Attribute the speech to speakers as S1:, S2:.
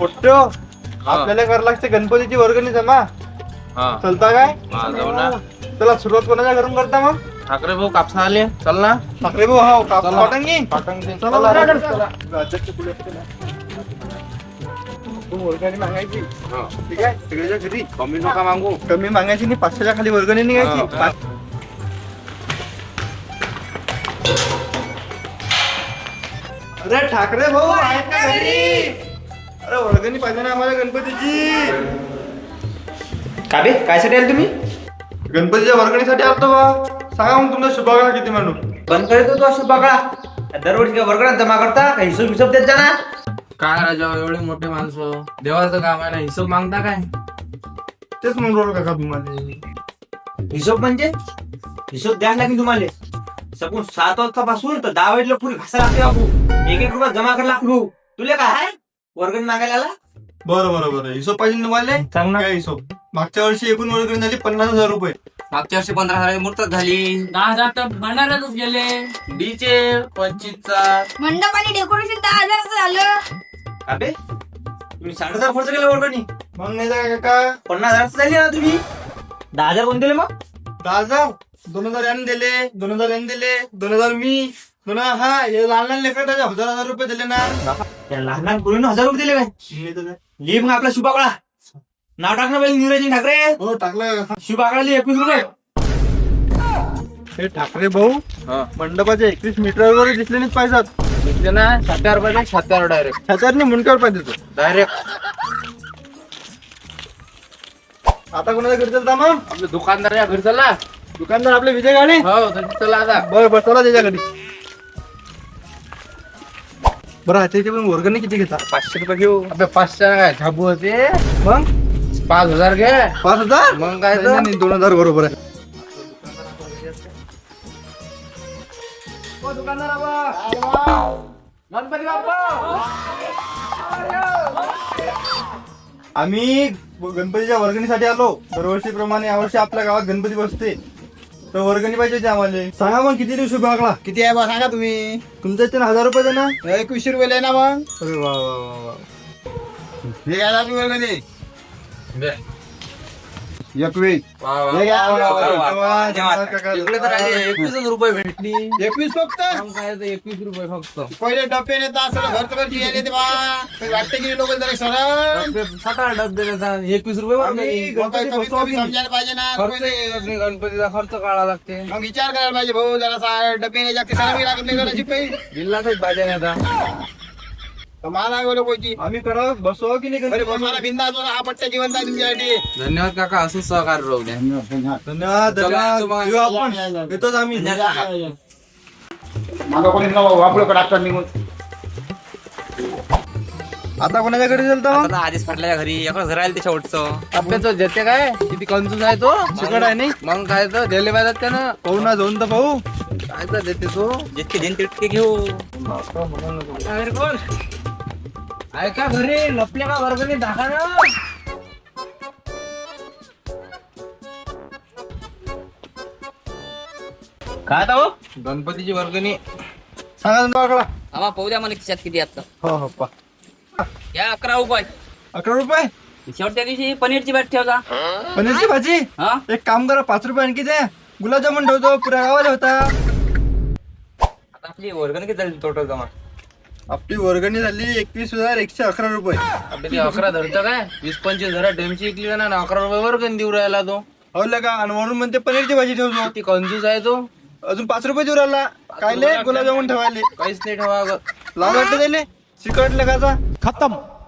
S1: पोट्ट्यो आपल्याला करावं लागते गणपतीची वर्गणी जमा. चलता काय?
S2: जाऊ ना.
S1: चला सुरुवात कोणाच्या घरून करता मग?
S2: ठाकरे भाऊ कापसा आले, चल ना.
S1: ठाकरे भाऊ हो पाटंगी. वर्गणी मागायची ठीक आहे सगळ्याच्या घरी.
S2: कमी नका मागू.
S1: कमी मागायची नाही, 500च्या खाली वर्गणी निघायची. अरे ठाकरे भाऊ आहेत का घरी? अरे वर्गणी पाहिजे ना आम्हाला गणपतीची.
S3: का बे कायसाठी आले तुम्ही?
S1: गणपतीच्या वर्गणीसाठी आलतो बा. सांगा मग तुमचा शुभागला किती मांडू?
S3: बंद करतो तू असं बघा. दरवर्षी काय वर्गणात जमा करता का हिशोब देत जा ना.
S2: काय राजा एवढे मोठे माणसं, देवाचं काम आहे ना, हिशोब मागता काय?
S1: तेच म्हणून राहिलो काका तुम्हाला.
S3: हिशोब म्हणजे हिशोब द्यायला लागेल तुम्हाला. सगळं 7 वाजतापासून तर 10 वाजला पुरी घासा लागते बाबू. 1-1 रुपया जमा करायला लागलो. तुला काय आहे वर्गणी मागायला आला?
S1: बरं हिशोब पाहिजे तुम्हाला?
S3: सांग ना.
S1: काय हिशोब? मागच्या वर्षी एकूण वर्गणी झाली 50,000 रुपये.
S2: मागच्या वर्षी 15,000 मूर्त झाली.
S4: 10,000 तर भंडाऱ्यातच गेले.
S2: डीचे 25चा.
S5: मंडप आणि डेकोरेशन 10,000 झालं.
S3: का बे तुम्ही 60,000 खर्च केला वर्गणी?
S1: मग नाही का काका?
S3: 50,000 झाली ना तुम्ही. 10,000 कोण दिले मग?
S1: 10,000 2,000 यांनी दिले, 2,000 यांनी दिले, 2,000 मी 2,000 हा हे लहान लेकर 1,000 रुपये दिले ना.
S3: त्या लहान लहान पोरीनं 1,000 रुपये दिले काय?
S1: मी तर काय?
S3: लिहि मग आपला शुभाकळा. नाव टाक ना पहिले नियोजन ठाकरे.
S1: हो टाकलं.
S3: शुभाकळा लिहि 21 रुपये.
S1: हे ठाकरे भाऊ मंडपाच्या 21 मीटरवर दिसले नाहीच पाहिजेत.
S2: घेतले ना 7,000 रुपये, 7,000 डायरेक्ट.
S1: छात्याने मुंडक्यावर पाहिजे तो.
S2: डायरेक्ट
S1: आता कोणाच्या घरी चलता मग?
S2: आपले दुकानदार या घरी चला.
S1: दुकानदार आपले विजय गाडे.
S2: हो तर चला आता.
S1: बरं चला त्याच्या घरी. बरं त्याची पण वर्गणी किती घेता?
S2: 500 रुपये घेऊ. आपल्या 500 काय झाबू होते.
S1: मग
S2: 5,000 घे.
S1: 5,000?
S2: मग काय तर?
S1: नाही, 2,000 बरोबर आहे.
S2: गणपती बाप्पा.
S1: आम्ही गणपतीच्या वर्गणीसाठी आलो. दरवर्षीप्रमाणे यावर्षी आपल्या गावात गणपती बसते तर वर्गणी पाहिजे होती आम्हाला. सांगा मग किती दिवस भागला?
S6: किती आहे बा सांगा तुम्ही.
S1: तुमच्या इथे 1,000 रुपये दे ना.
S6: 21 रुपये ना मग.
S1: अरे वा वा वा वा.
S6: हे काय आपली वर्गणी
S2: दे.
S6: 21.
S2: वा, वा.
S6: हे घ्या.
S1: धन्यवाद काका.
S2: इकडे तर राहिले 21 रुपये भेटली.
S6: 21 फक्त.
S2: मग काय तर 21 रुपये फक्त.
S6: पहिले डबे नेतात सगळं घर तर यायले ते बा. काही वाटते की लोक जरा सरळ.
S2: 7-8 डबे देतात. 21 रुपये
S1: आम्ही
S2: वर्गणी.
S6: मग काही कमीत कमी समजायला पाहिजे ना.
S2: खर्च आहे, गणपतीचा खर्च काढावा लागते.
S6: मग विचार करायला पाहिजे भाऊ जरा डबे नाही जागते सरावी लागत नाही करायची काही.
S2: जिल्ह्यातच भाज्या नाही आता.
S6: मला बोलो कोणची.
S1: आम्ही करा बसवा की नाही
S6: अरे
S1: गणपती?
S6: मला बिंदास हा पट्ट्या जिवंत आहे तुमच्यासाठी.
S2: धन्यवाद काका, असं सहकार्य राहू द्या.
S1: धन्यवाद
S2: चला,
S1: धन्यवाद. येऊ आपण येतोच आम्ही.
S6: माझा कोणी वापरू डॉक्टर निघून.
S1: आता कोणाच्या घरी चलता मग?
S3: आधीच फाटल्या घरी एका घर आलं त्याच्या ओटचं.
S2: आपल्या देते काय किती कंजूस आहे तो.
S1: चिकट आहे नाही?
S2: मग काय तर दिले पाहिजेत त्यानं.
S1: पाहू ना जाऊन तर पाहू.
S2: काय तर देते तो.
S3: जितके दिन तितके घेऊ.
S2: कोण ऐका घरी लपल्या का वर्गणी दाखा ना.
S3: काय आता हो?
S2: गणपतीची वर्गणी.
S1: सांगा तुमचा आकडा.
S4: आम्हा पाहू द्या मला खिशात किती आता.
S1: हो हो पा.
S4: या 11 रुपये.
S1: 11 रुपये?
S4: शेवटच्या दिवशी पनीरची बॅट ठेवता.
S1: पनीरची भाजी.
S4: हा
S1: एक काम करा 5 रुपये आणखी द्या. गुलाबजामुन ठेवतो पुऱ्या गावाला होता.
S3: आता आपली वर्गणी किती झाली टोटल जमा?
S1: आपली वर्गणी झाली 21,111 रुपये.
S2: आपले ते 11 धरतं काय 20-25 जरा डेमची इकली ना 11 रुपये वर्गणी देऊ राहिला तो.
S1: हो का? आणि वरून म्हणते पनीरची भाजी ठेवतो.
S2: किती कंजूस आहे तो.
S1: अजून 5 रुपये देऊ राहिला. कायले गुलाबजामुन ठेवायले
S2: काहीच नाही ठेवा.
S1: लाल वाटते त्याले. चिकट लगाचा खतम.